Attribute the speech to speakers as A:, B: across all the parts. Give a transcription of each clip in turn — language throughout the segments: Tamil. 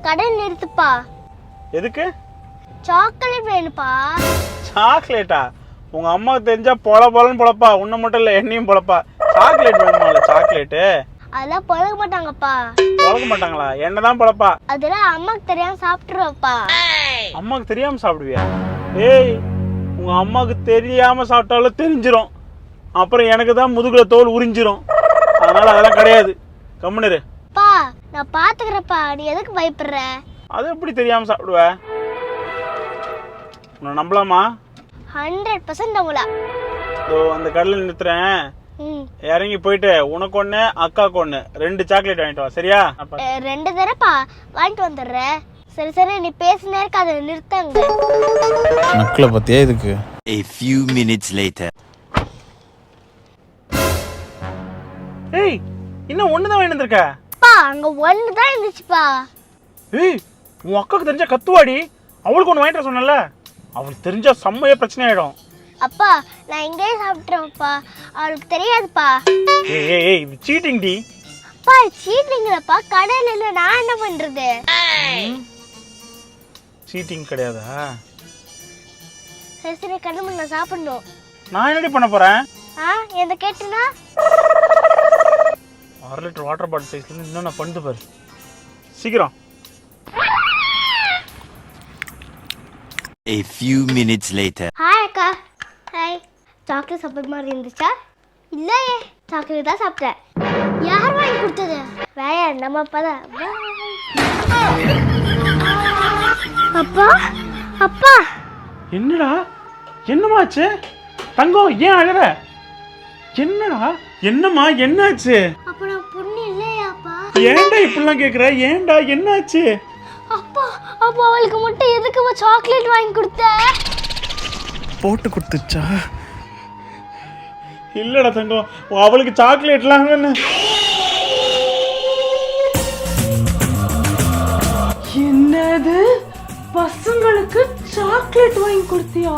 A: கடை நிறுத்துப்பா.
B: எதுக்கு?
A: சாக்லேட் வேணுப்பா.
B: சாக்லேட்டா? உங்க அம்மாவுக்கு தெரிஞ்சா பொலன்னு பொழப்பா. உன்னை மட்டும் இல்ல என்னையும் பொழப்பா. சாக்லேட் வேணுமா? சாக்லேட்டு
A: அதெல்லாம் பழக மாட்டாங்கப்பா.
B: பழக மாட்டாங்களா? என்னதான் பொழப்பா?
A: அதெல்லாம் அம்மாக்கு தெரியாம சாப்பிட்டுருவப்பா.
B: அம்மாக்கு தெரியாம சாப்பிடுவியா? ஏய், உங்க அம்மாக்கு தெரியாம சாப்பிட்டாலும் தெரிஞ்சிரும். அப்புறம் எனக்கு தான் முதுகுல தோல் உறிஞ்சிரும். அதனால அதெல்லாம் கிடையாது. கம்முனு.
A: பா நான் பாத்துக்கிறப்பா, நீ எதுக்கு பயப்படுற?
B: அது எப்படி தெரியாம சாப்பிடுவ? உன்னை நம்பலாமா?
A: 100% நம்பல.
B: அந்த கடையில் நிறுத்துறேன். இறங்கி போயிட்டு உனக்கு ஒண்ணு அக்காக்கு ஒண்ணு 2 சாக்லேட் வாங்கிட்டு வா. சரியா?
A: 2 தடவைப்பா வாங்கிட்டு வந்துடுறேன். சரி சரி, நீ பேசினே இருக்க, அதை நிறுத்தங்க.
C: நக்கல பத்தியா இதுக்கு?
D: A few minutes later.
B: ஏய், இன்னும் ஒண்ணுதான் வாங்கிட்டு வந்திருக்க?
A: பா அங்க ஒண்ணு தான் இருந்துச்சுப்பா.
B: ஏய், உன் அக்காக்கு தெரிஞ்சா கத்துவாடி. அவளுக்கு ஒண்ணு வாங்கிட்டு சொன்னல, அவளுக்கு தெரிஞ்சா செம்மையா பிரச்சனை ஆயிடும்.
A: அப்பா நான் இங்கேயே சாப்பிட்றேன்ப்பா, அவளுக்கு தெரியாதுப்பா.
B: ஏய் ஏய் ஏய், சீட்டிங் டி.
A: அப்பா சீட்டிங்கிறப்பா, கடையில் இல்லை, நான் என்ன பண்றது?
B: சீட்டிங் கிடையாதா?
A: சரி சரி, கடமை நான் சாப்பிடணும்.
B: நான் என்னடி பண்ண போறேன்?
A: எந்த கேட்டுனா
B: 1 லிட்டர் வாட்டர் பாட்டில் சைஸ்ல இருந்து இன்னும் நான் பண்ணிட்டு பாரு. சீக்கிரம்.
D: A few minutes later.
A: Hi அக்கா. ஹாய். சாக்லேட் சாப்பிட்ற மாதிரி இருந்துச்சா? இல்லையே, சாக்லேட் தான் சாப்பிட்டேன். யார் வாங்கி கொடுத்தது? வேற நம்ம அப்பா தான். அப்பா அப்பா.
B: என்னடா என்னமாச்சு? தங்கம் ஏன் அழற? என்னடா? என்னம்மா என்னாச்சு?
A: அப்ப நான் பொண்ணு இல்லையாப்பா?
B: ஏன்டா இப்படிலாம் கேக்குற? ஏன்டா என்னாச்சு?
A: அப்பா அப்பா அவளுக்கு மட்டும் எதுக்கு சாக்லேட் வாங்கி கொடுத்த?
C: போட்டு கொடுத்துச்சா?
B: இல்லடா தங்கம், அவளுக்கு சாக்லேட்லாம்
E: என்னது? பசங்களுக்கு சாக்லேட் வாங்கி கொடுத்தியா?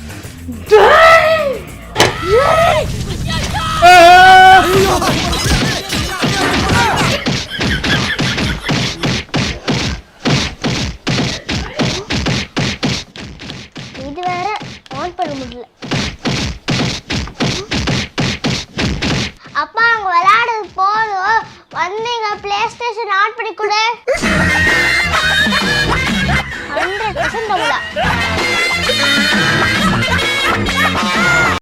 A: இது வேற ஆன் பண்ண முடியல. அப்பா அங்க விளையாடுறது போதும், வந்தீங்க பிளே ஸ்டேஷன் ஆன் பண்ணி கொடு. 100% நம்பல.